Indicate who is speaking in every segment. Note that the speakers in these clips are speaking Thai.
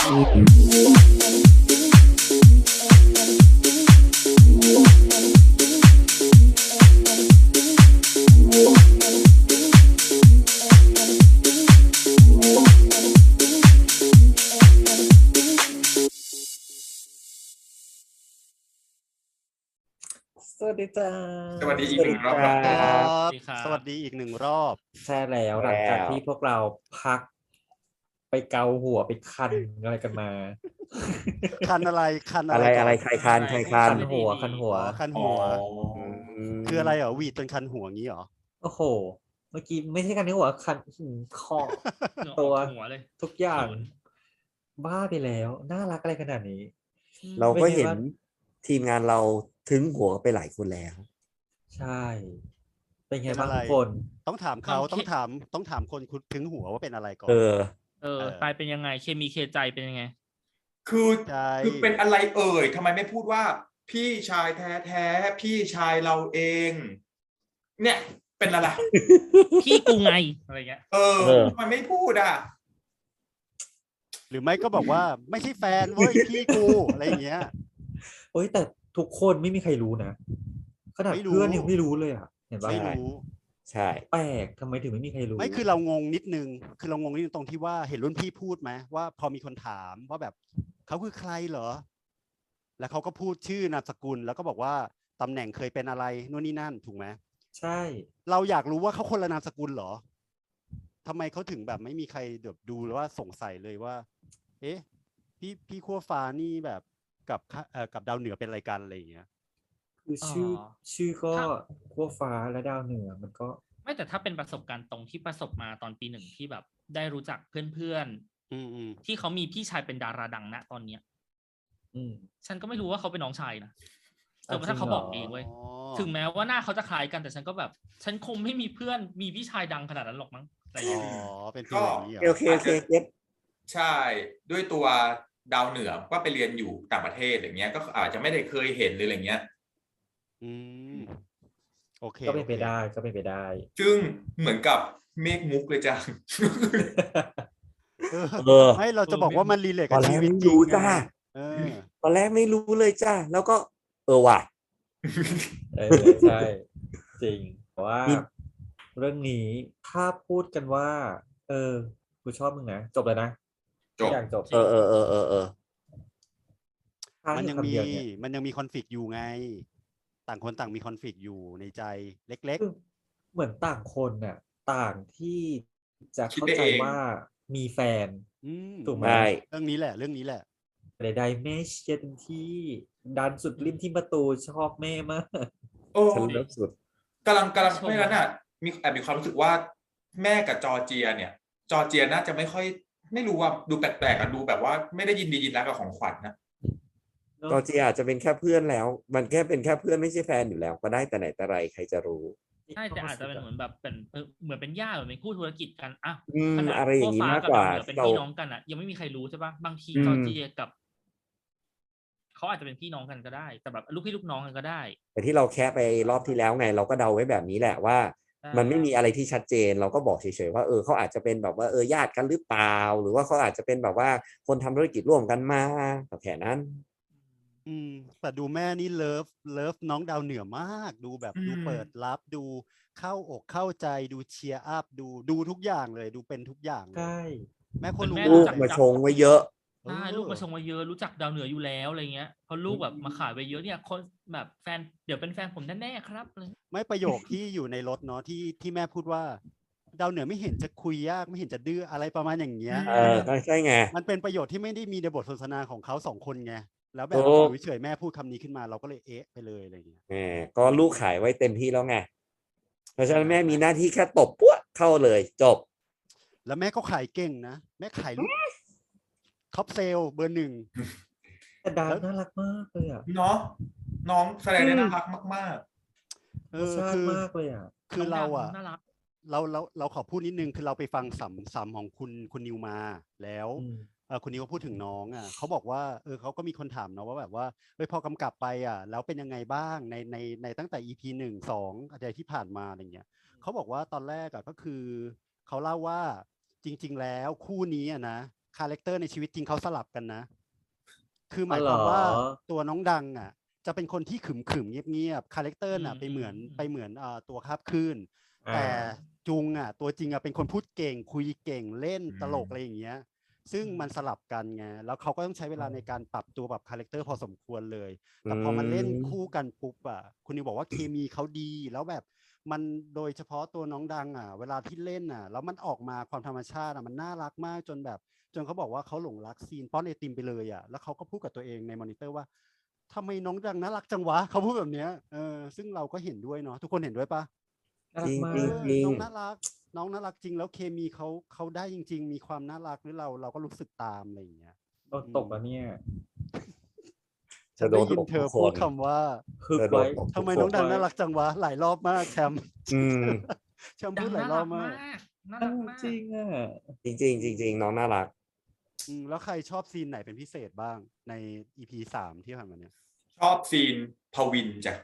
Speaker 1: สวัสดีจ้า
Speaker 2: สวัสดีอีกหนึ่งรอบ
Speaker 1: ค
Speaker 2: ค
Speaker 1: รั
Speaker 2: รับ
Speaker 1: บ
Speaker 3: สวัสดีครับ
Speaker 4: สวัสดีอีกหนึ่งรอบ
Speaker 1: ใช่แล้วหลังจากที่พวกเราพัก ไปเกาหัวไปคันอะไรกันมา
Speaker 4: คันอะไรคัน
Speaker 3: อะไร
Speaker 4: ก่น
Speaker 3: อะไรใครคันใครคัน
Speaker 1: คันหัวคันหัว
Speaker 4: อ๋อคัน
Speaker 2: อ๋
Speaker 4: หั
Speaker 2: อ
Speaker 4: ว คืออะไรเหรอหวีดจนคันหัวงี้เหรอ
Speaker 1: โอ้โห เมื่อกี้ไม่ใช่คันหัวคันคอ
Speaker 5: เหงื่ออ
Speaker 1: ตัว
Speaker 5: อกหัวเลย
Speaker 1: ทุกอย่าง
Speaker 5: เขิน
Speaker 1: บ้าไปแล้ว น่ารักอะไรขนาดนี้
Speaker 3: เราก็เห็น
Speaker 1: ไม่ใช่ว่า
Speaker 3: ทีมงานเราถึงหัวไปหลายคนแล้ว
Speaker 1: ใช่ เป็นไง
Speaker 4: เป็น
Speaker 1: บ้าง
Speaker 4: อะไร
Speaker 1: ทุกคน
Speaker 4: ต้องถามเขา
Speaker 5: โอเค
Speaker 4: ต้องถามคนคุณถึงหัวว่าเป็นอะไรก่อน
Speaker 3: เออ
Speaker 5: ปลายเป็นยังไง เคมีเคใจเป็นยังไง
Speaker 2: คือ
Speaker 4: ใช่
Speaker 2: คือเป็นอะไรเอ่ยทำไมไม่พูดว่า พี่ชายแท้ๆพี่ชายเราเอง เนี่ยเป็นอะไร
Speaker 5: พี่กูไงอะไรเงี้ย
Speaker 3: เออ
Speaker 2: ทำไมไม่พูดอ่ะ
Speaker 4: หรือไม่ก็บอกว่าไม่ใช่แฟนเว้ยพี่กูอะไรอย่างเงี้ย
Speaker 1: เฮ้ยแต่ทุกคนไม่มีใครรู้นะขนาด
Speaker 4: ไม่รู้
Speaker 1: เพื่อนยังไม่รู้เลยอ่ะ เห็นปะ
Speaker 4: ไม่รู้
Speaker 3: ใช่
Speaker 1: แปลกทำไมถึงไม่มีใครรู้
Speaker 4: ไม่คือเรางงนิดนึง คือเรางงนิดนึงตรงที่ว่าเห็นรุ่นพี่พูดไหมว่าพอมีคนถามว่าแบบเขาคือใครเหรอ แล้วเขาก็พูดชื่อนามสกุลแล้วก็บอกว่าตำแหน่งเคยเป็นอะไรนู่นนี่นั่นถูกไหม
Speaker 1: ใช่
Speaker 4: เราอยากรู้ว่าเขาคนละนามสกุลเหรอทำไมเขาถึงแบบไม่มีใครแบบดูหรือว่าสงสัยเลยว่า เอ๊ะพี่ขั้วฟ้านี่แบบกับดาวเหนือเป็นอะไรกันอะไรอย่างเงี้ย
Speaker 1: คือชื่อก็
Speaker 5: ถ้า
Speaker 1: ขั้วฟ้าและดาวเหนือมันก็
Speaker 5: ไม่แต่ถ้าเป็นประสบการณ์ตรงที่ประสบมาตอนปี 1ที่แบบได้รู้จักเพื่อน
Speaker 4: อืม
Speaker 5: ๆที่เขามีพี่ชายเป็นดาราดังนะตอนเนี้ย
Speaker 1: อืม
Speaker 5: ฉันก็ไม่รู้ว่าเขาเป็นน้องชายนะจนกระ
Speaker 1: จริ
Speaker 5: ทั่
Speaker 1: ง
Speaker 5: งเขา
Speaker 1: เหรอ
Speaker 5: บอกเองเว้ย ถึงแม้ว่าหน้าเขาจะคล้ายกันแต่ฉันก็แบบ ฉันคงไม่มีเพื่อนมีพี่ชายดังขนาดนั้นหรอกมั้งอะไรอย่าง
Speaker 4: อ๋
Speaker 5: เงี้
Speaker 4: อ
Speaker 5: ย
Speaker 4: เป็นฟีลอย่างนี้เหรอ
Speaker 3: โอเคเก็ต
Speaker 2: ใช่ ด้วยตัวดาวเหนือก็ไปเรียนอยู่ต่างประเทศอย่างเงี้ย ก็อาจจะไม่ได้เคยเห็นหรืออะไรเงี้ย
Speaker 4: อืมโอเค
Speaker 1: ก็เป็นไป
Speaker 4: โอค
Speaker 1: ได้ก็เป็นไปได้
Speaker 2: ซึ่งเหมือนกับเมฆมุกเลยจ้ะ
Speaker 3: เออ
Speaker 4: ไม่เราจะบอกว่ามันรีเลท
Speaker 3: ต
Speaker 4: กั
Speaker 3: อบ นแร
Speaker 4: ชี
Speaker 3: ก
Speaker 4: วิต
Speaker 3: ไม่
Speaker 4: จริง
Speaker 3: รู้
Speaker 4: ไง
Speaker 3: จ้า
Speaker 4: เออ
Speaker 3: ตอนแรกไม่รู้เลยจ้า แล้วก็ ว่ะ
Speaker 1: ใช่ จริงแต่ว่า
Speaker 3: นี่
Speaker 1: เรื่องนี้ถ้าพูดกันว่า กูชอบมึงนะ จบแล้วนะ
Speaker 2: จบ
Speaker 1: ทุกอย่างจบ
Speaker 3: เออ
Speaker 1: ถ้า
Speaker 4: มัน
Speaker 1: ให้
Speaker 4: ยัง
Speaker 1: คำ
Speaker 4: มี
Speaker 1: เดียวเนี่ย
Speaker 4: มันยังมีคอนฟ lict อยู่ไง ต่างคนต่างมีคอนฟ lict อยู่ในใจเล็ก
Speaker 1: คือเหมือนต่างคนน่ะ ต่างที่จะ
Speaker 2: คิด
Speaker 1: เข้า
Speaker 2: ไป
Speaker 1: ใจ
Speaker 2: เอง
Speaker 1: ว่ามีแฟน
Speaker 4: ๆ
Speaker 1: ถูกไหม
Speaker 3: ใช่
Speaker 4: เรื่องนี้แหละเรื่องนี้แหละ
Speaker 1: ใดๆแม่เชียร์เต็มที่ดันสุดริมที่ประตูชอบแม่มาก
Speaker 2: โอ้
Speaker 3: ฉันเลิฟสุด
Speaker 2: กำลังไม่งั้นอ่ะมีความรู้สึกว่าแม่กับจอร์เจียเนี่ย จอร์เจียน่าจะไม่ค่อย ไม่รู้ว่าดูแปลกๆอ่ะดูแบบว่าไม่ได้ยินดียินร้ายกับของขวัญนะ
Speaker 3: จอร์เจียอาจจะเป็นแค่เพื่อนแล้ว มันแค่เป็นแค่เพื่อนไม่ใช่แฟนอยู่แล้ว ก็ได้แต่ไหนแต่ไรใครจะรู้
Speaker 5: ใช่แต่อาจจะเป็นเหมือนแบบเป็นเหมือนเป็นญาติเหมือนเป็นคู่ธุรกิจกันอ่ะ
Speaker 3: ม
Speaker 5: ขนาด
Speaker 3: อะไรอย่างนี้
Speaker 5: นี้
Speaker 3: มากกว่า
Speaker 5: เป็น
Speaker 3: เรา
Speaker 5: พี่น้องกันอ่ะยังไม่มีใครรู้ใช่ปะบางที
Speaker 3: อืม
Speaker 5: จอร์เจียกับเขาอาจจะเป็นพี่น้องกันก็ได้ แต่แบบลูกพี่ลูกน้องกันก็ได้
Speaker 3: แต่ที่เราแค่ไปรอบที่แล้วไง เราก็เดาไว้แบบนี้แหละว่า มันไม่มีอะไรที่ชัดเจน เราก็บอกเฉยๆว่าเขาอาจจะเป็นแบบว่าญาติกันหรือเปล่า หรือว่าเขาอาจจะเป็นแบบว่าคนทำธุรกิจร่วมกันมาแค่นั้น
Speaker 4: แต่ดูแม่นี่เลิฟน้องดาวเหนือมาก ดูแบบ
Speaker 2: อืม
Speaker 4: ดูเปิดรับดูเข้าอกเข้าใจดูเชียร์อัพดูทุกอย่างเลยดูเป็นทุกอย่างเลย
Speaker 1: ใช่
Speaker 4: แม่คนรู้
Speaker 5: แม่
Speaker 3: ลูก
Speaker 5: จัก
Speaker 3: มาชงไว้เยอะ
Speaker 5: ใช่ลูกมาชงมาเยอะรู้จักดาวเหนืออยู่แล้วอะไรเงี้ยพอลูกแบบมาขายไปเยอะเนี่ยคนแบบแฟนเดี๋ยวเป็นแฟนผมแน่ๆครับเลย
Speaker 4: ไม่ประโยคที่อยู่ในรถเนาะที่แม่พูดว่า ดาวเหนือไม่เห็นจะคุยยากไม่เห็นจะดื้ออะไรประมาณอย่างเงี้ย
Speaker 3: ก็ใช่ไง
Speaker 4: มันเป็นประโยชน์ที่ไม่ได้มีในบทสนทนาของเขาสองคนไงแล้วแบบ
Speaker 3: ถูก
Speaker 4: อยู่เฉยๆแม่พูดคำนี้ขึ้นมาเราก็เลยเอ๊ะไปเลยอะไรอย่างเงี้ย
Speaker 3: ก็ลูกขายไว้เต็มที่แล้วไง เพราะฉะนั้นแม่มีหน้าที่แค่ตบปั้วเข้าเลยจบ
Speaker 4: แล้วแม่ก็ขายเก่งนะแม่ขายลูกท็อปเซลเบอร์ 1
Speaker 1: แต่ดาวน่ารักมากเลยอ่ะ
Speaker 2: เนาะน้องแสดงได้น่ารักมาก
Speaker 1: รสชาติมากเลยอ่ะ
Speaker 4: คือเราอ่ะ
Speaker 5: น่ารัก
Speaker 4: เราขอพูดนิดนึงคือเราไปฟังสัมของคุณนิวมาแล้ว
Speaker 1: อืม
Speaker 4: คุณนิวก็พูดถึงน้องอ่ะเขาบอกว่าเขาก็มีคนถามเนาะว่าแบบว่าพอกำกับไปอ่ะแล้วเป็นยังไงบ้างในตั้งแต่ EP 1-2อะไรที่ผ่านมาอะไรเงี้ยเขาบอกว่าตอนแรกอ่ะก็คือเขาเล่าว่าจริงๆแล้วคู่นี้อ่ะนะคาแรคเตอร์ในชีวิตจริงเขาสลับกันนะ คือหมายความว่า
Speaker 1: อ๋อเหรอ
Speaker 4: ตัวน้องดังอ่ะ จะเป็นคนที่ขึมๆเงียบๆคาแรคเตอร์น่ะ
Speaker 5: อืม
Speaker 4: ไปเหมือน
Speaker 5: อืม
Speaker 4: ไปเหมือนตัวคาบคลื่น
Speaker 1: อ่า
Speaker 4: แต่จุงอ่ะตัวจริงอ่ะเป็นคนพูดเก่งคุยเก่งเล่น
Speaker 2: อืม
Speaker 4: ตลกอะไรอย่างเงี้ย ซึ่ง
Speaker 5: อืม
Speaker 4: มันสลับกันไงแล้วเขาก็ต้องใช้เวลา
Speaker 1: อ๋อ
Speaker 4: ในการปรับตัวปรับคาแรคเตอร์พอสมควรเลย
Speaker 3: อื
Speaker 4: แต่พอมันเล่น
Speaker 3: ม
Speaker 4: คู่กันปุ๊บอ่ะคุณนิวบอกว่าเคมีเขาดีแล้วแบบมันโดยเฉพาะตัวน้องดังอ่ะ เวลาที่เล่นอ่ะ แล้วมันออกมาความธรรมชาติอ่ะมันน่ารักมากจนแบบ จนเขาบอกว่าเขาหลงรักซีนป้อนไอติมไปเลยอ่ะแล้วเขาก็พูดกับตัวเองในมอนิเตอร์ว่าทำไมน้องดังน่ารักจังวะเขาพูดแบบเนี้ยซึ่งเราก็เห็นด้วยเนาะทุกคนเห็นด้วยปะ
Speaker 1: น่ารักมา
Speaker 3: จริ
Speaker 1: ก
Speaker 3: งจริง
Speaker 4: น้องน่ารักน้องน่ารักจริงแล้วเคมีเขาได้จริง ๆ มีความน่ารักหรือเราก็รู้สึกตามอะไรอย่างเงี้ย
Speaker 1: โดนตกแล้วเนี่ย
Speaker 4: ฉันได้ยินเธอพูดคำว่า
Speaker 1: คือ
Speaker 3: เธอโด
Speaker 1: ไว้
Speaker 3: นตก
Speaker 4: ทำไมน้องดังน่ารักจังวะหลายรอบมากแชมป์
Speaker 3: อืม
Speaker 4: แชมป์
Speaker 5: ดั
Speaker 4: พู
Speaker 5: ง
Speaker 4: ดหลาย
Speaker 5: น่าร
Speaker 4: อ
Speaker 5: รับ ก
Speaker 4: มาม
Speaker 5: าก กน่า
Speaker 1: น่า
Speaker 5: รัก
Speaker 1: รัก
Speaker 5: มาก
Speaker 1: จริงอ่ะ
Speaker 3: จริงๆจริงๆน้องน่ารัก
Speaker 4: แล้วใครชอบซีนไหนเป็นพิเศษบ้างใน EP 3 ที่ผ่านมาเนี่ย
Speaker 2: ชอบซีนพวินจ้ะ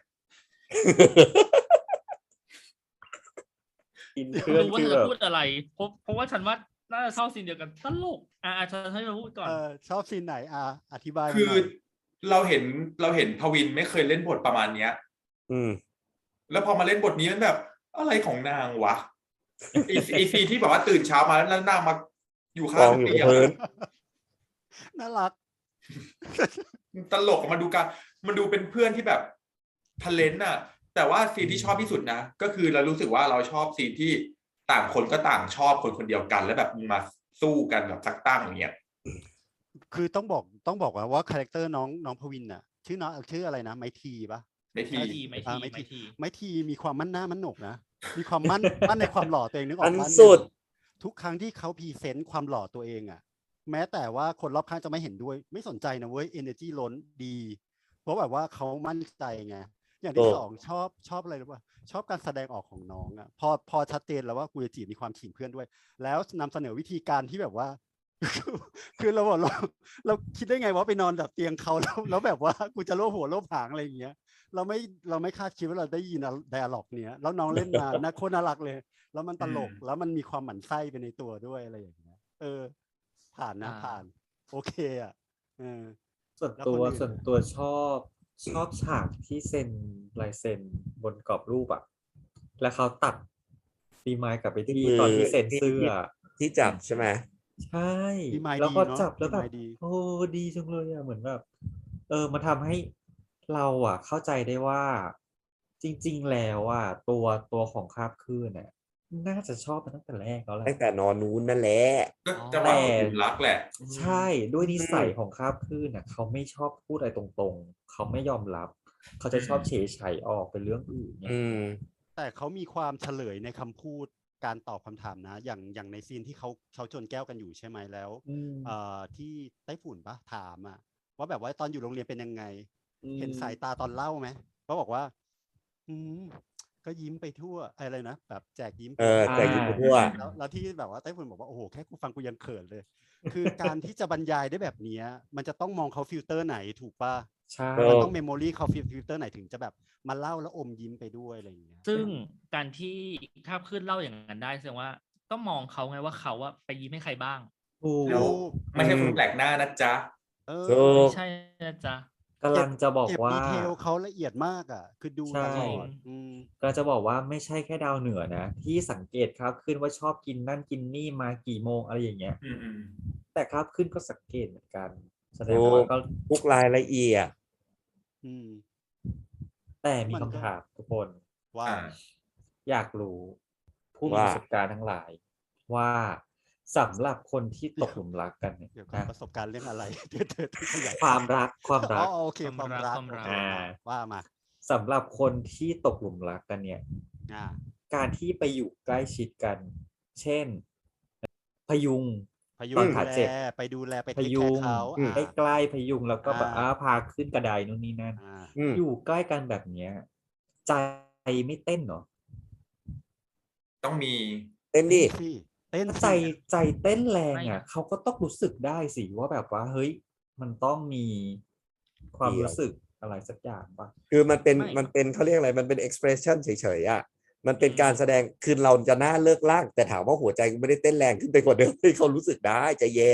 Speaker 1: อินเพื่อน
Speaker 5: รู้ว่า
Speaker 1: คือ
Speaker 5: เธ
Speaker 1: แบ
Speaker 5: อบ พูดอะไรเพราะว่าฉันว่าน่าจะชอบซีนเดียวกันตลกฉันให้เธอพูดก่อน
Speaker 4: ชอบซีนไหนอธิบายมา
Speaker 2: คือ
Speaker 4: หน่อย
Speaker 2: เราเห็นพวินไม่เคยเล่นบทประมาณเนี้ย
Speaker 3: อืม
Speaker 2: แล้วพอมาเล่นบทนี้มันแบบอะไรของนางวะ ไอซีที่แบบว่าตื่นเช้ามาแล้วนางมาอยู่ข้าง
Speaker 3: กองอยู่
Speaker 2: เตี
Speaker 3: กับ
Speaker 2: ยง
Speaker 3: พื้น
Speaker 4: น่ารัก
Speaker 2: ตลกอะมันดูเป็นเพื่อนที่แบบทะเลนต์อะแต่ว่าซีนที่ชอบที่สุดนะก็คือเรารู้สึกว่าเราชอบซีนที่ต่างคนก็ต่างชอบคนเดียวกัน แล้วแบบมาสู้กันแบบสักตั้งอย่างเงี้ย
Speaker 4: คือต้องบอกว่าคาแรคเตอร์น้องพวินน่ะชื่ออะไรนะไมทีปะ
Speaker 2: ไม่ที
Speaker 4: ไมทีมีความมั่นหน้ามั่นหนกนะมีความมั่น มั่นในความหล่อตัวเองนึกออก
Speaker 3: อัน
Speaker 4: ปะ
Speaker 3: สุด
Speaker 4: ทุกครั้งที่เขาพรีเซนต์ความหล่อตัวเองอ่ะ แม้แต่ว่าคนรอบข้างจะไม่เห็นด้วยไม่สนใจนะเว้ย energy ล้นดี เพราะแบบว่าเขามั่นใจไงอย่างที่สองชอบอะไรรู้ป่ะชอบการแสดงออกของน้องอ่ะพอชัดเจนแล้วว่ากูจะจีบมีความขิงเพื่อนด้วย แล้วนำเสนอวิธีการที่แบบว่า คือเราบอกเราคิดได้ไงว่าไปนอนแบบเตียงเขาแล้วแบบว่ากูจะโลบหัวโลบหางอะไรอย่างเงี้ยเราไม่คาดคิดว่าเราได้ยินไดอะล็อกเนี้ยแล้วน้องเล่นมาน่าโคตรน่ารักเลย แล้วมันตลกแล้วมันมีความหมั่นไส้ไปในตัวด้วยอะไรอย่างเงี้ยผ่านนะผ่านโอเคอ่ะ
Speaker 1: ส่วน
Speaker 4: แล้ว
Speaker 1: ตัว
Speaker 4: คนอื่น
Speaker 1: ส่วนตัวชอบฉากที่เซ็นลายเซ็นบนกรอบรูปอ่ะ แล้วเขาตัดปีไม้กลับไปที่
Speaker 3: ที่มือ
Speaker 1: ตอนที่เซ็นเสื้อ
Speaker 3: ที่จับใช่ไหม
Speaker 1: ใช่
Speaker 4: ปีไม้
Speaker 1: แล้วก็
Speaker 4: ดีเนอะ
Speaker 1: จับแล้ว
Speaker 4: ปี
Speaker 1: แบ
Speaker 4: ไม้
Speaker 1: บ
Speaker 4: ดี
Speaker 1: โอ้ดีจังเลยอ่ะเหมือนแบบมันทำให้เราอ่ะ เข้าใจได้ว่า จริง ๆ แล้วอ่ะตัวของคาบคลื่นเนี่ยน่าจะชอบมาตั้งแต่แรกแล้วแหละ
Speaker 3: ตั้งแต่นอนนู้นนั่นแหละ
Speaker 2: ก็จะว่าตกหลุมรักแหละ
Speaker 1: ใช่ด้วยนิสัยของคาบคลื่นน่ะเขาไม่ชอบพูดอะไรตรงๆ เขาไม่ยอมรับ เขาจะชอบเฉยไฉออกเป็นเรื่องอื่นเนี่ย
Speaker 3: อืม
Speaker 4: แต่เขามีความเฉลยในคำพูดการตอบคำถามนะ อย่างในซีนที่เขาชนแก้วกันอยู่ใช่ไหมแล้ว
Speaker 1: อืม
Speaker 4: ที่ไต้ฝุ่นปะถามอ่ะว่าแบบว่าตอนอยู่โรงเรียนเป็นยังไง
Speaker 1: อืม
Speaker 4: เห็นสายตาตอนเล่าไหมเขาบอกว่า ก็ยิ้มไปทั่วอะไรนะแบบแจกยิ้มไป
Speaker 3: แต่ยิ้มไปทั่ว
Speaker 4: แล้วที่แบบว่าไต้ฝุ่นบอกว่าโอ้โหแค่กูฟังกูยังเขินเลย คือการที่จะบรรยายได้แบบเนี้ยมันจะต้องมองเขาฟิลเตอร์ไหนถูกปะ
Speaker 1: ใช่
Speaker 4: มันต้องเมมโมรีเขาฟิลเตอร์ไหนถึงจะแบบมาเล่าแล้วอมยิ้มไปด้วยอะไรอย่างเงี้ย
Speaker 5: ซึ่งการที่คาบขึ้นเล่าอย่างนั้นได้แสดงว่าต้องมองเขาไงว่าเขาไปยิ้มให้ใครบ้าง
Speaker 1: ถูก
Speaker 2: แล้วไม่ใช่คนแปลกหน้านะจ๊ะ
Speaker 3: ถูก
Speaker 5: ไม่ใช่นะจ๊ะ
Speaker 1: กำลังจะบอก
Speaker 4: เก็บ
Speaker 1: ว่า
Speaker 4: ดีเทลเขาละเอียดมากอ่ะ คือดู
Speaker 1: ใช่
Speaker 4: ตลอด
Speaker 1: ก็จะบอกว่าไม่ใช่แค่ดาวเหนือนะ ที่สังเกตครับขึ้นว่าชอบกินนั่นกินนี่มากี่โมงอะไรอย่างเงี้ย
Speaker 2: อืม
Speaker 1: แต่ครับขึ้นก็สังเกตเหมือนกัน แสดง
Speaker 3: ถู
Speaker 1: ว่าก ก็
Speaker 3: ทุกรายละเอียด
Speaker 4: อืม
Speaker 1: แต่มี
Speaker 4: มันก็
Speaker 1: คำถามทุกคน
Speaker 4: ว่า
Speaker 1: อยากรู้ผู้มี
Speaker 3: ว่า
Speaker 1: ประสบการณ์ทั้งหลาย ว่าสำหรับคนที่ตกหลุมรักกันเนี่ย
Speaker 4: เดี๋ยวก่อน
Speaker 1: นะ
Speaker 4: ประสบการณ์เรื่องอะไร เธอขยาย
Speaker 1: ความรัก
Speaker 4: อ๋อโอเคความรัก
Speaker 5: ความรัก
Speaker 4: โอเคว่ามา
Speaker 1: สำหรับคนที่ตกหลุมรักกันเนี่ย
Speaker 4: อ่า
Speaker 1: การที่ไปอยู่ใกล้ชิดกัน เช่น พยุง
Speaker 4: พยุ
Speaker 1: ตอน
Speaker 4: ง
Speaker 1: ขา
Speaker 4: ดูแล
Speaker 1: เจ็บ
Speaker 4: ไปดูแลไป
Speaker 1: พ
Speaker 4: เทคแค
Speaker 1: ยุ
Speaker 4: ร์
Speaker 1: ง
Speaker 4: เขา
Speaker 1: ใกล้ๆพยุงแล้วก็แบบ
Speaker 4: อ่า
Speaker 1: พาขึ้นกระไดนู่นนี่นั่น
Speaker 3: อืม
Speaker 1: อยู่ใกล้กันแบบเนี้ย ใจไม่เต้นเหรอ
Speaker 2: ต้องมี
Speaker 3: เต้นดิ
Speaker 4: สิเต้น
Speaker 1: ถ้า
Speaker 4: สิ
Speaker 1: ใจเต้นแรง
Speaker 5: ไม่
Speaker 1: อ่ะเขาก็ต้องรู้สึกได้สิว่าแบบว่าเฮ้ยมันต้องมีความ
Speaker 3: เดี๋ยว
Speaker 1: รู้สึกอะไรสักอย่างป่ะ
Speaker 3: คือมันเป็น
Speaker 5: ไม่
Speaker 3: มันเป็นเขาเรียกอะไร มันเป็น expression เฉยๆอ่ะ มันเป็นการแสดง คือเราจะหน้าเลิกลากแต่ถามว่าหัวใจกูไม่ได้เต้นแรงขึ้นไปกว่าเดิม ให้เขารู้สึกได้ใจเย็น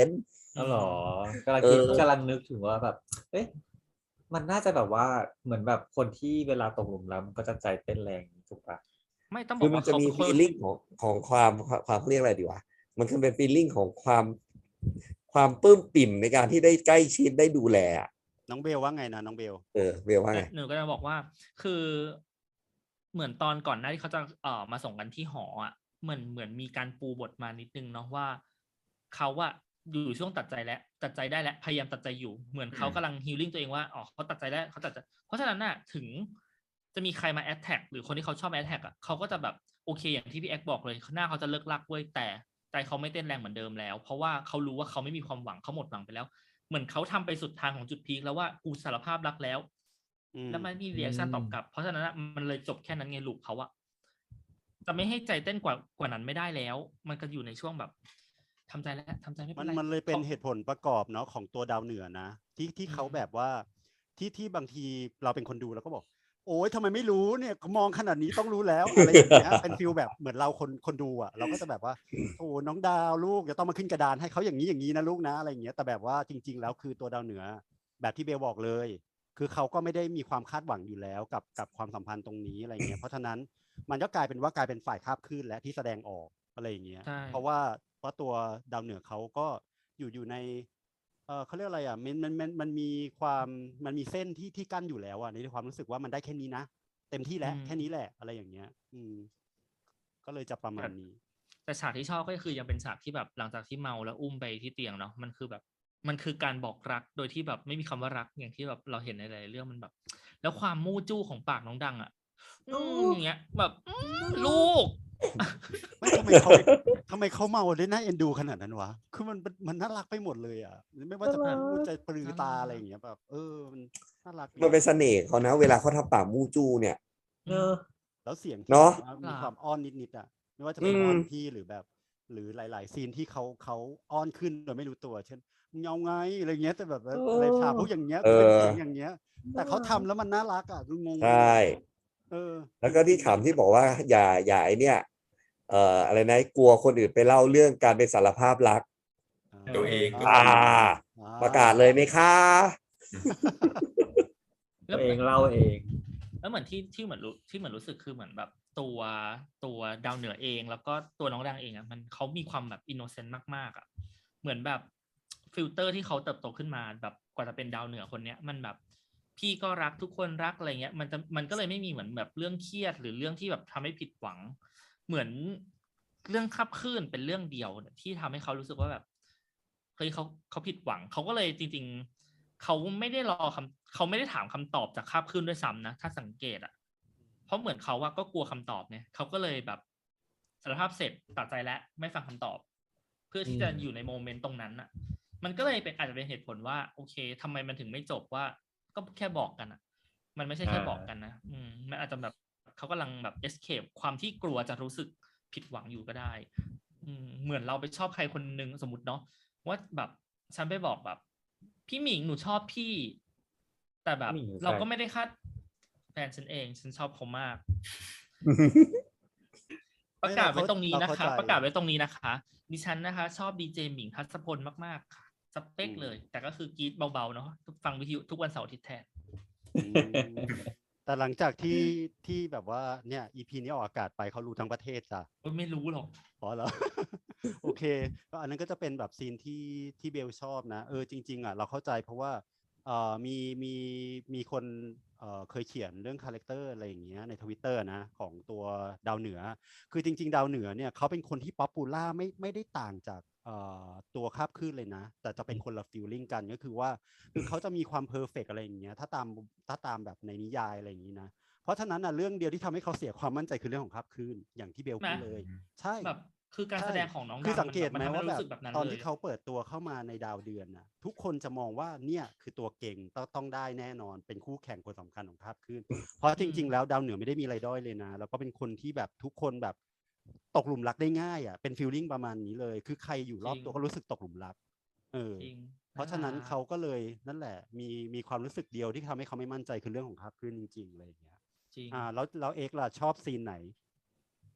Speaker 1: อ๋อเหรอกำลัง
Speaker 3: เอ
Speaker 1: คิด
Speaker 3: อ
Speaker 1: กำลังนึกถึงว่าแบบ เอ๊ะมันน่าจะแบบว่าเหมือนแบบคนที่เวลาตกหลุมรักมันก็จะใจเต้นแรงถูกปะ
Speaker 5: ไม่ต้องบ
Speaker 3: คือ อมั
Speaker 5: ก
Speaker 3: น
Speaker 5: ว่า
Speaker 3: จะ
Speaker 5: เขา
Speaker 3: มี
Speaker 5: เป็นคน
Speaker 3: feeling ของความเรียกอะไรดีวะมันคือเป็น feeling ของความปลื้มปิ่มในการที่ได้ใกล้ชิดได้ดูแลอะ
Speaker 4: น้องเบลว่าไงนะน้องเบล
Speaker 3: เบลว่าไง
Speaker 5: หนูก็จะบอกว่าคือเหมือนตอนก่อนหน้าที่เขาจะมาส่งกันที่หออ่ะเหมือนมีการปูบทมานิดนึงเนาะว่าเขาอะอยู่ช่วงตัดใจได้แล้วพยายามตัดใจอยู่เหมือนเขากำลังฮีลลิ่งตัวเองว่าอ๋อเขาตัดใจได้เขาตัดใจเพราะฉะนั้นน่ะถึงจะมีใครมาแอดแท็กหรือคนที่เขาชอบแอดแท็กอ่ะเขาก็จะแบบโอเคอย่างที่พี่แอ๊กบอกเลยหน้าเขาจะเลิกลักเว้ยแต่ใจเขาไม่เต้นแรงเหมือนเดิมแล้ว เพราะว่าเขารู้ว่าเขาไม่มีความหวังเขาหมดหวังไปแล้ว เหมือนเขาทำไปสุดทางของจุดพีคแล้วว่ากูสารภาพรักแล้ว แล้วมันมีเรีแอคชั่นตอบกลับ เพราะฉะนั้นมันเลยจบแค่นั้นไงลูกเขาอะจะไม่ให้ใจเต้นกว่านั้นไม่ได้แล้ว มันก็อยู่ในช่วงแบบทำใจแล้วทำใจไม่เป็นไร
Speaker 4: มันเลยเป็นเหตุผลประกอบเนาะของตัวดาวเหนือนะที่เขาแบบว่าที่บางทีเราเป็นคนดูแล้วก็บอก โอ้ยทำไมไม่รู้เนี่ยมองขนาดนี้ต้องรู้แล้วอะไรอย่างเงี้ยเป็นฟิลแบบเหมือนเราคนดูอ่ะเราก็จะแบบว่าโอ้น้องดาวลูกจะต้องมาขึ้นกระดานให้เขาอย่างนี้นะลูกนะอะไรอย่างเงี้ยแต่แบบว่าจริง ๆ แล้วคือตัวดาวเหนือแบบที่เบลบอกเลย คือเขาก็ไม่ได้มีความคาดหวังอยู่แล้วกับความสัมพันธ์ตรงนี้อะไรเงี้ยเพราะฉะนั้นมันก็กลายเป็นฝ่ายคาบคลื่นและที่แสดงออกอะไรอย่างเงี้ย
Speaker 5: ใช่
Speaker 4: เพราะว่าตัวดาวเหนือเขาก็อยู่ในเขาเรียกอะไรอ่ะมันมีเส้นที่กั้นอยู่แล้วอ่ะในความรู้สึกว่ามันได้แค่นี้นะเต็มที่แล้วแค่นี้แหละอะไรอย่างเงี้ยก็เลยจะประมาณนี้
Speaker 5: แต่ฉากที่ชอบก็คือยังเป็นฉากที่แบบหลังจากที่เมาแล้วอุ้มไปที่เตียงเนาะมันคือแบบมันคือการบอกรักโดยที่แบบไม่มีคำว่ารักอย่างที่แบบเราเห็นในหลายๆเรื่องมันแบบ แล้วความมู่จู้ของปากน้องดังอ่ะอย่างเงี้ยแบบลูก
Speaker 4: ไม่ทำไมเขาเมาได้น่าเอ็นดูขนาดนั้นวะคือมันน่ารักไปหมดเลยอ่ะไม่ว่าจะพูดจะปรือตาอะไรอย่างเงี้ยแบบมันน่ารักดี
Speaker 3: มันเป็นเสน่ห์เขานะเวลาเขาทำปากมู่จู้เนี่ย
Speaker 1: เนอะ
Speaker 4: แล้วเสียงที่
Speaker 3: เนอะ
Speaker 4: แบบว่ามีความอ้อนนิดๆอ่ะไม่ว่าจะเป็นอ้อนพี่หรือแบบ หรือหลายๆซีนที่เขาอ้อนขึ้นโดยไม่รู้ตัว เช่นมึงเอาไงอะไรเงี้ยแต่แบบอะไรถามพวกอย่างเงี้ยเป็นเสียงอย่างเงี้ย แต่เขาทำแล้วมันน่ารักอ่ะคืองง
Speaker 3: ใช่ แล้วก็ที่ถามที่บอกว่าอย่าไอเนี่ยอะไรนะกลัวคนอื่นไปเล่าเรื่องการไปสารภาพรัก
Speaker 2: ตัวเองก็
Speaker 3: ประกาศเลยไหมคะ
Speaker 1: ตัวเองเล่าเอง
Speaker 5: แล้วเหมือนที่เหมือนรู้สึกคือเหมือนแบบตัวดาวเหนือเองแล้วก็ตัวน้องดังเองอ่ะมันเขามีความแบบอินโนเซนต์มากๆอ่ะเหมือนแบบฟิลเตอร์ที่เขาเติบโตขึ้นมาแบบกว่าจะเป็นดาวเหนือคนเนี้ยมันแบบพี่ก็รักทุกคนรักอะไรเงี้ยมันก็เลยไม่มีเหมือนแบบเรื่องเครียดหรือเรื่องที่แบบทำให้ผิดหวัง เหมือนเรื่องคับคลื่นเป็นเรื่องเดียวที่ทำให้เขารู้สึกว่าแบบเฮ้ยเขาผิดหวังเขาก็เลยจริงๆเขาไม่ได้เขาไม่ได้ถามคำตอบจากคาบคลื่นด้วยซ้ำนะถ้าสังเกตอ่ะเพราะเหมือนเขาว่าก็กลัวคำตอบเนี่ยเขาก็เลยแบบสารภาพเสร็จตัดใจแล้วไม่ฟังคำตอบ เพื่อที่จะอยู่ในโมเมนต์ตรงนั้นอ่ะ มันก็เลยอาจจะเป็นเหตุผลว่าโอเคทำไมมันถึงไม่จบว่าก็แค่บอกกันอ่ะ มันไม่ใช่แค่บอกกันนะมันอาจจะแบบเขากำลังแบบ escape ความที่กลัวจะรู้สึกผิดหวังอยู่ก็ได้เหมือนเราไปชอบใครคนนึงสมมติเนาะว่าแบบฉันไปบอกแบบพี่หมิงหนูชอบพี่ แต่แบบ
Speaker 1: พี่หมิงคือใคร
Speaker 5: เราก็ไม่ได้คาดแฟนฉันเองฉันชอบเขามาก ประกาศไว้ตรงนี้นะคะประกาศไว้ตรงนี้นะคะ ดิฉันนะคะ ชอบดีเจหมิงทัศพลมากๆค่ะสเปคเลย แต่ก็คือกรีดเบาๆเนาะฟังวิทยุทุกวันเสาร์อาทิตย์แทน
Speaker 4: แต่หลังจากที่แบบว่าเนี่ย EP นี้ออกอากาศไปเขารู้ทั้งประเทศจ้ะ
Speaker 5: ไม่รู้หรอก
Speaker 4: อ๋อเหรอ โอเคก็อันนั้นก็จะเป็นแบบซีนที่เบลชอบนะจริงๆอ่ะเราเข้าใจเพราะว่ามีคนเคยเขียนเรื่องคาแรคเตอร์อะไรอย่างเงี้ยใน Twitter นะของตัวดาวเหนือคือจริงๆดาวเหนือเนี่ยเขาเป็นคนที่ป๊อปปูล่าไม่ได้ต่างจากตัวคาบคลื่นเลยนะแต่จะเป็นคนละฟีลลิ่งกันก็คือว่าคือเขาจะมีความเพอร์เฟกอะไรอย่างเงี้ยถ้าตามแบบในนิยายอะไรอย่างงี้นะเพราะฉะนั้นเรื่องเดียวที่ทำให้เขาเสียความมั่นใจคือเรื่องของคาบคลื่นอย่างที่เบลพูดเลยใช่
Speaker 5: แบบคือการแสดงของน้องดัง
Speaker 4: คือสังเกตไหมว่าแบบ
Speaker 5: นั้น
Speaker 4: ตอน
Speaker 5: เลย
Speaker 4: ที่เขาเปิดตัวเข้ามาในดาวเดือนน่ะทุกคนจะมองว่าเนี่ยคือตัวเก่งต้องได้แน่นอนเป็นคู่แข่งคนสำคัญของคาบคลื่นเพราะจริงๆแล้วดาวเหนือไม่ได้มีอะไรด้อยเลยนะแล้วก็เป็นคนที่แบบทุกคนแบบตกหลุมรักได้ง่ายอ่ะเป็นฟีลลิ่งประมาณนี้เลยคือใครอยู่รอบตัวก็รู้สึกตกหลุมรักเพราะฉะนั้นเขาก็เลยนั่นแหละมีความรู้สึกเดียวที่ทำให้เขาไม่มั่นใจคือเรื่องของคาบคลื่นจริงๆอะไรอย่างเงี้ยแล้วเอกล่ะชอบซีนไหน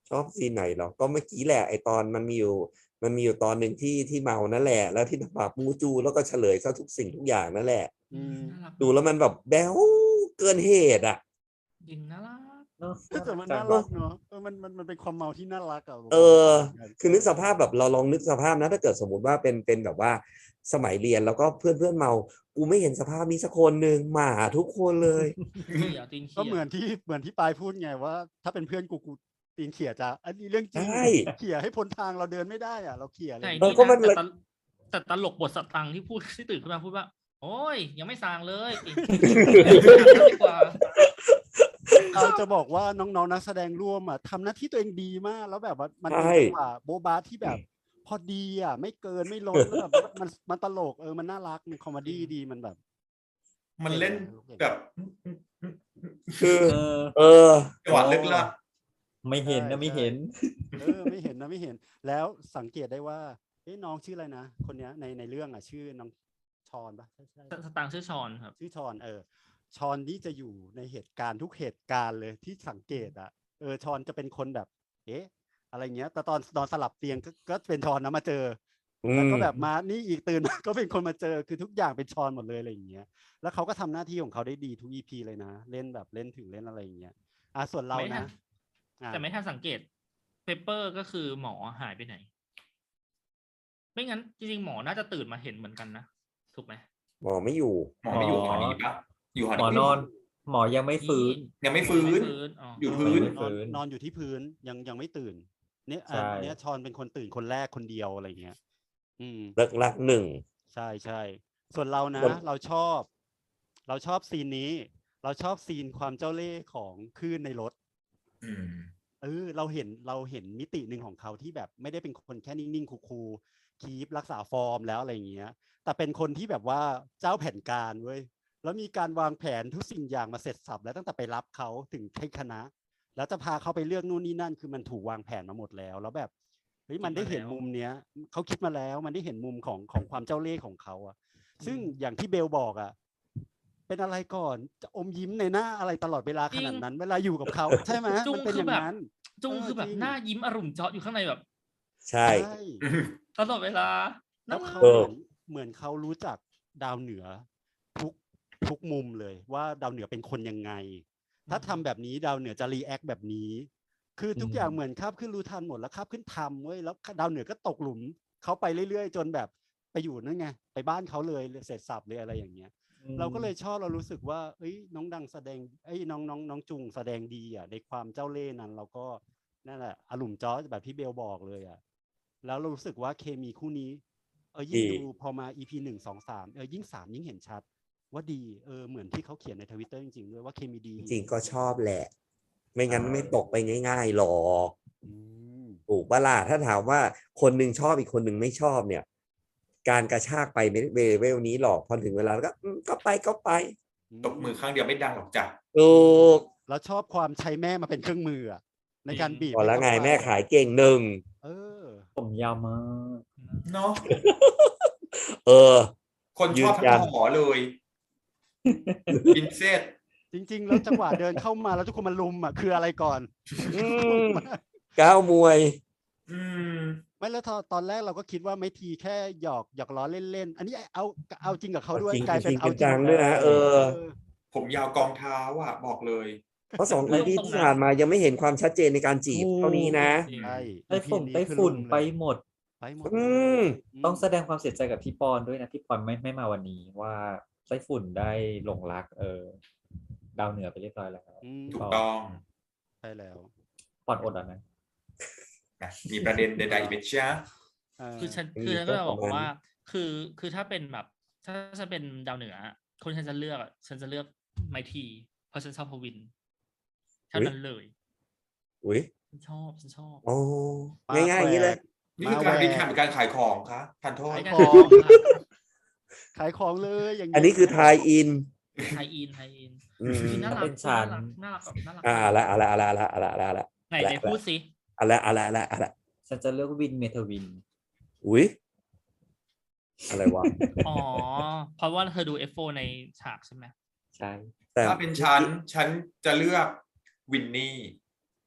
Speaker 3: ชอบซีนไหนเหรอก็เมื่อกี้แหละไอตอนมันมีอยู่ตอนหนึ่งที่เมานั่นแหละแล้วที่ปากมูจูแล้วก็เฉลยซะทุกสิ่งทุกอย่างนั่นแหละ
Speaker 4: อืม
Speaker 5: น่ารัก
Speaker 3: ดูแล้วมันแบบแบ๊วเกินเหตุอ่ะ
Speaker 5: จริงน่ารัก
Speaker 1: เนอะ
Speaker 4: แต่มัน
Speaker 1: จั
Speaker 4: น่าง รักเนาะมันเป็นความเมาที่น่ารักอ่ะ
Speaker 3: คือนึกสภาพแบบเราลองนึกสภาพนะถ้าเกิดสมมติว่าเป็นแบบว่าสมัยเรียนแล้วก็เพื่อนเมากูไม่เห็นสภาพนี้สักคนหนึ่งหมาทุกคนเลย
Speaker 5: เขี่ยตีนเขี่ย
Speaker 4: ก็เหมือนที่ปายพูดไงว่า ถ้าเป็นเพื่อนกูตีนเขี่ยจะอันนี้เรื่องจริง
Speaker 3: ใช่
Speaker 4: เขี่ยให้พ้นทางเราเดินไม่ได้อ่ะเราเขี่ยเล
Speaker 5: ใช่
Speaker 4: ย
Speaker 5: นี่
Speaker 3: ก็มัน
Speaker 5: นะ
Speaker 3: เลย
Speaker 5: แต่ตลกบทสตังค์ที่พูดที่ตื่นขึ้นมาพูดว่า โอ้ยยังไม่สร้างเลยดีกว่า
Speaker 4: เราจะบอกว่าน้องๆนักแสดงร่วมอ่ะทำหน้าที่ตัวเองดีมาก แล้วแบบว่ามันเป็น
Speaker 3: ใช่
Speaker 4: จังหวะโบ๊ะบาที่แบบ พอดีอ่ะ ไม่เกินไม่ล้นแล้วแบบมันตลกมันน่ารักมันคอมเมดี้ดีมันแบบ
Speaker 2: มันเล่นแบบ
Speaker 3: คือ
Speaker 1: เออ
Speaker 2: จังหวะลึกลับ
Speaker 1: ไม่เห็นนะไม่เห็น
Speaker 4: ไม่เห็นนะไม่เห็น แล้วสังเกตได้ว่าน้องชื่ออะไรนะคนเนี้ยในเรื่องอ่ะชื่อน้องชอนปะใช่
Speaker 5: สตังค์ชื่อชอนครับ
Speaker 4: ชื่อชอนชอนนี่จะอยู่ในเหตุการณ์ทุกเหตุการณ์เลยที่สังเกตอ่ะชอนจะเป็นคนแบบอะไรเงี้ยแต่ตอนนอนสลับเตียงก็เป็นชอนนะมาเจอ แล้วก็แบบมานี่อีกตื่นมา ก็เป็นคนมาเจอคือทุกอย่างเป็นชอนหมดเลยอะไรอย่างเงี้ยแล้วเขาก็ทำหน้าที่ของเขาได้ดีทุก EP เลยนะเล่นแบบเล่นถึงเล่นอะไรอย่างเงี้ยส่วนเรา
Speaker 5: ไม่ทั
Speaker 4: นะ
Speaker 5: น แต่ไม่ทันสังเกตเปเปอร์ก็คือหมอหายไปไหน ไม่งั้นจริงๆหมอน่าจะตื่นมาเห็นเหมือนกันนะถูกไหม
Speaker 3: หมอไม่อยู่
Speaker 2: หมอไม่อยู่หอนี้ปะอยู่หอ
Speaker 1: หมอนอน หมอยังไม่ฟื้น
Speaker 2: ยังไม่ฟื้น
Speaker 5: อ๋อ
Speaker 2: อยู่พื้น
Speaker 1: ไม่ฟื้น
Speaker 4: นอนอยู่ที่พื้นยังไม่ตื่นเนี่ย
Speaker 1: ใช่
Speaker 4: เนี้ยชอนเป็นคนตื่นคนแรกคนเดียวอะไรเงี้ย
Speaker 3: รักหนึ่ง
Speaker 4: ใช่ส่วนเรานะ
Speaker 3: คน
Speaker 4: เราชอบซีนนี้ เราชอบซีนความเจ้าเล่ห์ของคลื่นในรถ
Speaker 2: อืม
Speaker 4: เราเห็นมิติหนึ่งของเขาที่แบบไม่ได้เป็นคนแค่นิ่งๆคูลๆคีปรักษาฟอร์มแล้วอะไรอย่างเงี้ยแต่เป็นคนที่แบบว่าเจ้าแผนการเว้ยแล้วมีการวางแผนทุกสิ่งอย่างมาเสร็จสับแล้วตั้งแต่ไปรับเขาถึงให้คณะ แล้วจะพาเขาไปเลือกนู่นนี่นั่นคือมันถูกวางแผนมาหมดแล้วแล้วแบบเฮ้ยมันได้เห็นมุมเนี้ยเขาคิดมาแล้วมันได้เห็นมุมของความเจ้าเล่ห์ของเขาอะซึ่งอย่างที่เบลบอกอะเป็นอะไรก่อนจะอมยิ้มในหน้าอะไรตลอดเวลาขนาดนั้นเวลาอยู่กับเขาใช่ไหม
Speaker 5: จุง
Speaker 4: มันเป็น
Speaker 5: คือ
Speaker 4: อย่าง
Speaker 5: แบบ
Speaker 4: นั้น
Speaker 5: จุงคือแบบ
Speaker 4: จริง
Speaker 5: หน้ายิ้มอรุ่มเจาะอยู่ข้างในแบบ
Speaker 3: ใช่
Speaker 4: ใช่
Speaker 5: ตลอดเวลา
Speaker 4: แล้ว
Speaker 5: น่ารัก
Speaker 4: เขา
Speaker 3: เออ
Speaker 4: เหมือนเขารู้จักดาวเหนือทุกมุมเลยว่าดาวเหนือเป็นคนยังไง ถ้าทำแบบนี้ดาวเหนือจะรีแอคแบบนี้ คือทุกอย่างเหมือนคาบขึ้นรู้ทันหมดแล้วคาบขึ้นทำเว้ยแล้วดาวเหนือก็ตกหลุมเขาไปเรื่อยๆ จนแบบไปอยู่นั่นไงไปบ้านเขาเลยเสร็จสับเลยอะไรอย่างเงี้ย เราก็เลยชอบเรารู้สึกว่าน้องดังแสดงน้องจุงแสดงดีอ่ะในความเจ้าเล่ห์นั้นเราก็นั่นแหละอารมณ์จอแบบที่เบลบอกเลยอ่ะแล้วเรารู้สึกว่าเคมีคู่นี้ยิ่งดูพอมา EP 1 2 3ยิ่ง3ยิ่งเห็นชัดว่าดีเหมือนที่เขาเขียนใน Twitter จริงๆด้วยว่าเคมีดี
Speaker 3: จริงๆก็ชอบแหละ ไม่งั้นไม่ตกไปง่ายๆหรอก
Speaker 4: อืม
Speaker 3: ถูกปะล่ะถ้าถามว่าคนหนึ่งชอบอีกคนหนึ่งไม่ชอบเนี่ย การกระชากไปไม่ได้เวลนี้หรอกพอถึงเวลาแล้วก็ก็ไป
Speaker 2: ตบมือข้างเดียวไม่ดังหรอกจ้ะ
Speaker 3: ถูก
Speaker 4: แล้วชอบความใช้แม่มาเป็นเครื่องมืออะในการบีบ
Speaker 3: พอแล้วไง
Speaker 4: ให้เข้าป
Speaker 3: แม่ขายเก่งหนึ่ง
Speaker 4: เออ
Speaker 1: ผมยาวมาก
Speaker 2: เนาะ
Speaker 3: เออ
Speaker 2: คนชอบ
Speaker 3: ยืนยั
Speaker 2: ทั้
Speaker 3: น
Speaker 2: งหอเลยบินเซต
Speaker 4: จริงๆ แล้วจังหวะเดินเข้ามาแล้วทุกคนมาลุมอ่ะคืออะไรก่อน
Speaker 3: อืมก้าวมวย
Speaker 2: อืม
Speaker 4: ไม่แล้วตอนแรกเราก็คิดว่าไม่ทีแค่หยอกล้อเล่นๆ อันนี้เอาจริงกับเขาด้วย
Speaker 3: จริง
Speaker 4: กลายเป็น
Speaker 3: จริง
Speaker 4: เอาจริง
Speaker 3: จังด้วยนะเออ
Speaker 2: ผมยาวกองเท้าอ่ะ บอกเลย
Speaker 3: เพราะ2 EP ที่ผ่านมายังไม่เห็นความชัดเจนในการจีบเท่านี้นะ
Speaker 4: ใช่
Speaker 1: ไต้ฝุ่น
Speaker 4: EP
Speaker 1: ไต้
Speaker 4: คือ
Speaker 1: ฝุ่น
Speaker 4: ลุมเลย
Speaker 1: ไปหมด
Speaker 4: ไปหมด
Speaker 3: อืม
Speaker 1: ต้องแสดงความเสียใจกับพี่ปอนด้วยนะพี่ปอนไม่มาวันนี้ว่าไต้ฝุ่นได้หลงรักดาวเหนือไปเรียบร้อยแล้ว
Speaker 2: ถูกต้อง
Speaker 4: ใช่แล้ว
Speaker 1: ปอนอดอ่ะนะ
Speaker 2: นะมีประเด็นใดๆอีกไหมจ๊ะ
Speaker 5: คือฉัน
Speaker 3: มี
Speaker 5: คือฉันก็
Speaker 3: ก็
Speaker 5: จะบอก
Speaker 3: ประมาณ
Speaker 5: ว่า คือถ้าเป็นแบบ ถ้าฉันเป็นดาวเหนือคนฉันจะเลือกฉันจะเลือกไมทีเพราะฉันชอบพวินเท่านั้นเลย
Speaker 3: อุ้ย
Speaker 5: ฉันชอบ
Speaker 3: โอ้ง่ายๆอย่างนี้เลย
Speaker 2: นี่คือการบินแข่งการขายของคะทานโทษ
Speaker 5: ขาย
Speaker 4: ข
Speaker 5: ข
Speaker 4: อ
Speaker 5: อง ง
Speaker 4: ขายของเลยอย่าง
Speaker 3: อันนี้คือทายอิน
Speaker 5: ไทยอิน
Speaker 3: อืม
Speaker 5: น่ารั
Speaker 1: เป็
Speaker 5: ก
Speaker 1: นฉัน
Speaker 5: น่ารักแบบน่ารัก
Speaker 3: อะไร
Speaker 5: ไหนพูดสิ
Speaker 3: อะไร
Speaker 1: ฉันจะเลือกวินเมทวิน
Speaker 3: อุ้ยอะไรวะ
Speaker 5: อ๋อ เพราะว่าเธอดู F4 ในฉากใช่ไหม
Speaker 1: ใช่
Speaker 3: แต่
Speaker 2: ถ้าเป็นฉันจะเลือกวินนี่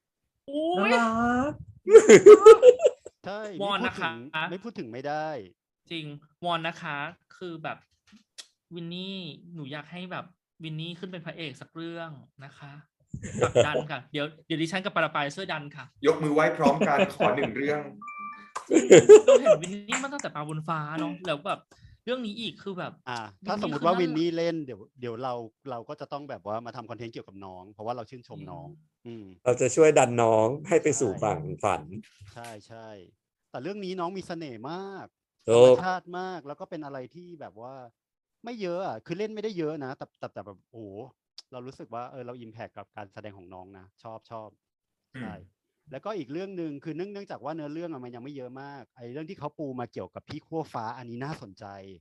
Speaker 5: โอ้
Speaker 1: น่าย รัก
Speaker 4: ใช่
Speaker 5: วอน
Speaker 4: ไม่
Speaker 5: นะคะ
Speaker 4: ไม่พูดถึงไม่ได้
Speaker 5: จริงวอนนะคะ คือแบบวินนี่หนูอยากให้แบบวินนี่ขึ้นเป็นพระเอกสักเรื่องนะคะผลักดันค่ะ เดี๋ยวดิฉันกับปาราปายช่วยดันค่ะ
Speaker 2: ยกมือไหว้พร้อมกันขอหนึ่งเรื่อง
Speaker 5: เราเห็นวินนี่มาตั้งแต่ปลาบนฟ้าเนาะแล้วแบบเรื่องนี้อีกคือแบบ
Speaker 4: ถ้า
Speaker 5: วินนี่
Speaker 4: สมมติ
Speaker 5: คือ
Speaker 4: ว่า
Speaker 5: น่า
Speaker 4: วินนี่เล่นเดี๋ยวเราก็จะต้องแบบว่ามาทำคอนเทนต์เกี่ยวกับน้อง เพราะว่าเราชื่นชมน้อง
Speaker 3: เราจะช่วยดันน้องให้ไปสู่
Speaker 4: ใช่
Speaker 3: ฝั่งฝัน
Speaker 4: ใช่ใช่แต่เรื่องนี้น้องมีเสน่ห์มาก
Speaker 3: ถู
Speaker 4: ธรรม
Speaker 3: ก
Speaker 4: ชาติมากแล้วก็เป็นอะไรที่แบบว่า ไม่เยอะอ่ะคือเล่นไม่ได้เยอะนะแต่แบบโอ้โหเรารู้สึกว่าเราอิมแพคกับการแสดงของน้องนะชอบใช่แล้วก็อีกเรื่องหนึ่งคือเนื่องจากว่าเนื้อเรื่องมันยังไม่เยอะมากไอ้เรื่องที่เขาปูมาเกี่ยวกับพี่ขั้วฟ้าอันนี้น่าสนใจ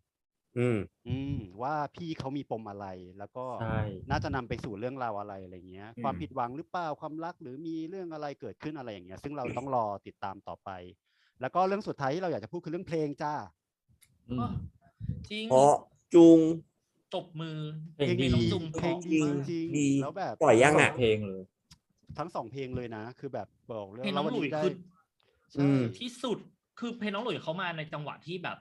Speaker 4: ว่าพี่เขามีปมอะไรแล้วก็
Speaker 1: ใช่
Speaker 4: น่าจะนำไปสู่เรื่องราวอะไรอะไรเงี้ย ความผิดหวังหรือเปล่าความรักหรือมีเรื่องอะไรเกิดขึ้นอะไรอย่างเงี้ย ซึ่งเราต้องรอติดตามต่อไป แล้วก็เรื่องสุดท้ายที่เราอยากจะพูดคือเรื่องเพลงจ้า
Speaker 1: อืม
Speaker 5: จริง
Speaker 3: เพราะจุง
Speaker 5: ตบมือ
Speaker 1: เพลงดี
Speaker 5: น้องจุง
Speaker 4: เพลง
Speaker 5: เพ
Speaker 4: ดี
Speaker 5: ราะมาก
Speaker 4: จริง
Speaker 3: ดี
Speaker 4: แล้วแบบ
Speaker 3: ปล่อยยัง
Speaker 1: สอ
Speaker 3: อ่ะ
Speaker 1: งเพลงเลย
Speaker 4: ทั้ง2เพลงเลยนะ คือแบบบอกเรื่อ
Speaker 5: เพลง
Speaker 4: ง
Speaker 5: น้อง
Speaker 4: วัน
Speaker 5: หลุย
Speaker 4: นี้ได้
Speaker 5: คือ
Speaker 4: ใช่
Speaker 5: ที่สุดคือเพลงน้องหลุยเขามาในจังหวะที่แบบ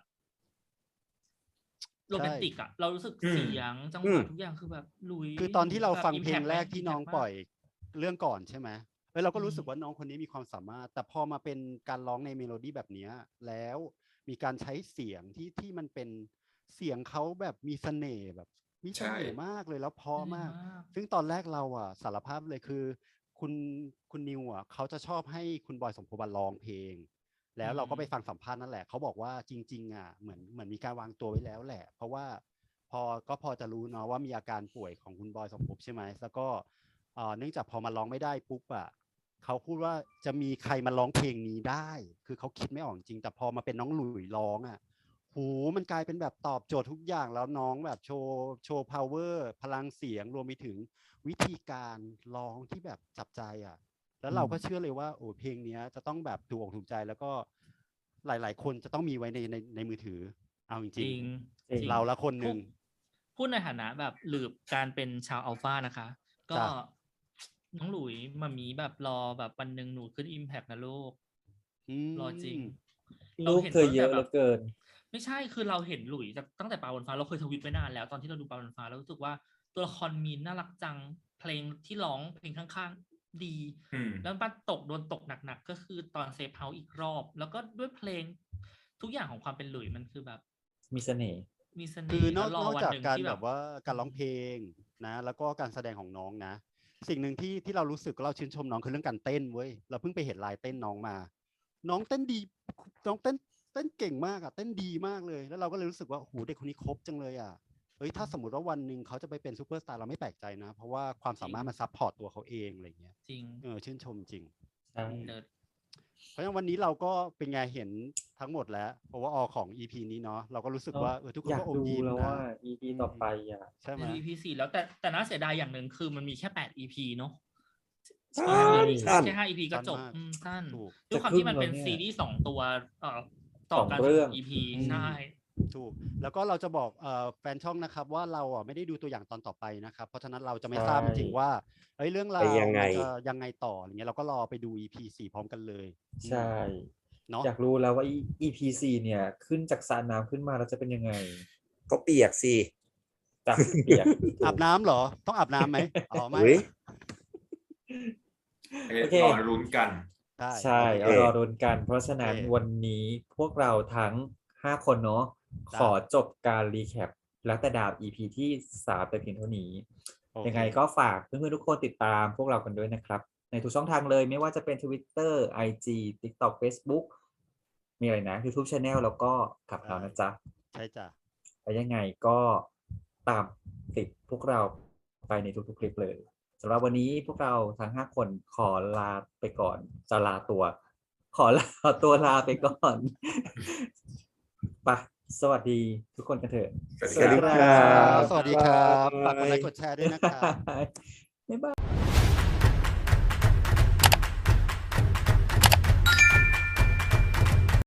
Speaker 5: โรแมนติกอะเรารู้สึกเสียงจังหวะทุกอย่างคือแบบหลุย
Speaker 4: คือตอนที่เรา
Speaker 5: แบบ
Speaker 4: ฟัง
Speaker 5: impact
Speaker 4: เพลงแรกที่น้อง
Speaker 5: impact
Speaker 4: ปล่อยเรื่องก่อนใช่ไหมเราก็รู้สึก
Speaker 5: อืม
Speaker 4: ว่าน้องคนนี้มีความสามารถ แต่พอมาเป็นการร้องในเมโลดี้แบบเนี้ยแล้วมีการใช้เสียงที่มันเป็นเสียงเขาแบบมีเสน่ห์แบบมีเสน่ห์มากเลยแล้วเพราะมาก ซึ่งตอนแรกเราอ่ะสารภาพเลยคือคุณนิวอ่ะเขาจะชอบให้คุณบอยสมภพร้องเพลง แล้วเราก็ไปฟังสัมภาษณ์นั่นแหละเขาบอกว่าจริงๆอ่ะเหมือนมีการวางตัวไว้แล้วแหละ เพราะว่าพอจะรู้เนาะว่ามีอาการป่วยของคุณบอยสมภพใช่ไหมแล้วก็เนื่องจากพอมาร้องไม่ได้ปุ๊บอ่ะเขาพูดว่าจะมีใครมาร้องเพลงนี้ได้ คือเขาคิดไม่ออกจริงแต่พอมาเป็นน้องหลุยร้องอ่ะโหมันกลายเป็นแบบตอบโจทย์ทุกอย่างแล้วน้องแบบโชว์ power พลังเสียงรวมไปถึงวิธีการร้องที่แบบจับใจอ่ะ แล้วเราก็เชื่อเลยว่าโอ้เพลงเนี้ยจะต้องแบบถูกอกถูกใจแล้วก็หลายๆคนจะต้องมีไว้ในมือถือเอาจ
Speaker 5: จริ
Speaker 4: ริง
Speaker 5: ง
Speaker 1: จริง
Speaker 4: ๆเราละคนหนึ่ง
Speaker 5: พูดในฐานะแบบหลืบการเป็นชาวอัลฟานะคะ ก็
Speaker 4: จ้ะ
Speaker 5: น้องหลุยมามีแบบรอแบบวันหนึ่งหนูขึ้นอิมแพกนะลูก รอจริง
Speaker 1: ลูกเธอเยอะเหลือเกิน
Speaker 5: ไม่ใช่คือเราเห็นหลุยจากตั้งแต่ปลาบนฟ้าเราเคยทวิตไว้นานแล้วตอนที่เราดูปลาบนฟ้าเรารู้สึกว่าตัวละครมีนน่ารักจังเพลงที่ร้องเพลงข้างๆดี แล้วมันโดนตกหนักๆก็คือตอนเซฟเฮาส์อีกรอบ แล้วก็ด้วยเพลงทุกอย่างของความเป็นหลุยมันคือแบบ
Speaker 1: มีเสน่ห์
Speaker 5: มีเสน่
Speaker 4: คือ
Speaker 5: ห์
Speaker 4: น
Speaker 5: แล้
Speaker 4: อ
Speaker 5: ว
Speaker 4: ก
Speaker 5: รอน
Speaker 4: อก
Speaker 5: วัน
Speaker 4: จาก
Speaker 5: หนึ่ง
Speaker 4: การ
Speaker 5: ที่
Speaker 4: แบบว่าการร้องเพลงนะ แล้วก็การแสดงของน้องนะ สิ่งหนึ่งที่เรารู้สึกเราชื่นชมน้องคือเรื่องการเต้นเว้ยเราเพิ่งไปเห็นลายเต้นน้องมา น้องเต้นดีน้องเต้นเก่งมากอ่ะเต้นดีมากเลย แล้วเราก็เลยรู้สึกว่าโอ้โหเด็กคนนี้ครบจังเลยอ่ะเฮ้ยถ้าสมมติว่าวันหนึ่งเขาจะไปเป็นซูเปอร์สตาร์เราไม่แปลกใจนะ เพราะว่าความสามารถมันซัพพอร์ตตัวเขาเองอะไรเงี้ย
Speaker 5: จริง
Speaker 4: ชื่นชมจริง
Speaker 1: ใช่
Speaker 5: เลิศ
Speaker 4: เพราะฉะนั้นวันนี้เราก็เป็นไงเห็นทั้งหมดแล้วเพราะว่าของ EP นี้เนาะเราก็รู้สึกว่าทุกคน
Speaker 1: อยาก
Speaker 4: ก็อม
Speaker 1: ดู
Speaker 4: ยิ้ม
Speaker 1: แล้ว
Speaker 4: นะ
Speaker 1: ว่า EP ต่อไปอ่ะ
Speaker 4: ใช่ไหม
Speaker 5: EP 4แล้วแต่น่าเสียดายอย่างหนึ่งคือมันมีแค่8 EP เนาะ
Speaker 3: ใช่
Speaker 5: แค่5 EP ก็จบ
Speaker 4: สั้นมาก
Speaker 5: สั้น
Speaker 4: ถูก
Speaker 5: ด้วยความ
Speaker 1: จะครึ่
Speaker 5: ที่
Speaker 1: ง
Speaker 5: มันเป็น
Speaker 1: แล้วเนี่ย
Speaker 5: ซีรีส์2 ตัวต่อกัน
Speaker 1: 2เรื่อง
Speaker 5: EP
Speaker 4: อืม
Speaker 5: ใช่
Speaker 4: ถูกแล้วก็เราจะบอกแฟนช่องนะครับว่าเราอ่ะไม่ได้ดูตัวอย่างตอนต่อไปนะครับเพราะฉะนั้นเราจะไม่ทราบจริงๆว่าเฮ้ยเรื่องราว
Speaker 3: ไปยังไง
Speaker 4: มันจะยังไงต่ออย่างเงี้ยเราก็รอไปดู EP 4พร้อมกันเลย
Speaker 1: ใช่
Speaker 4: เนาะ
Speaker 1: อยากรู้แล้วว่า EP 4เนี่ย ขึ้นจากสระน้ำขึ้นมาแล้วจะเป็นยังไง
Speaker 3: ก็เปียกสิ
Speaker 1: จากเปียก
Speaker 4: อาบน้ำเหรอต้องอาบน้ำไหมอ๋อไม่
Speaker 3: เฮ้ย
Speaker 1: โอเค
Speaker 2: รอลุ้นกัน
Speaker 1: ใช่
Speaker 3: โอ
Speaker 1: เอา
Speaker 3: เค
Speaker 1: รอรุนกัน เพราะฉะนั้น
Speaker 4: โอเค
Speaker 1: วันนี้พวกเราทั้ง 5 คนเนาะ
Speaker 4: จ้ะ
Speaker 1: ขอจบการรีแคปแล้วแต่ดาว EP ที่ 3 แต่เพียงเท่านี้
Speaker 4: โอเค
Speaker 1: ยังไงก็ฝากเพื่อนๆทุกคนติดตามพวกเรากันด้วยนะครับ ในทุกช่องทางเลยไม่ว่าจะเป็น Twitter IG TikTok Facebook มีอะไรนะ YouTube Channel แล้วก็ขับเรานะจ๊ะ
Speaker 4: ใช่จ้ะ
Speaker 1: แล้วยังไงก็ตามติดพวกเราไปในทุกๆคลิปเลยสำหรับวันนี้พวกเราทั้ง 5 คนขอลาไปก่อนจะลาตัว ขอลาตัวลาไปก่อน ไปสวัสดีทุกคนกันเถอะ
Speaker 2: สวัสดีครับ
Speaker 4: สวัสดีครับฝากกดไลค์กดแชร์ด้วยนะครับ
Speaker 1: บ๊ายบาย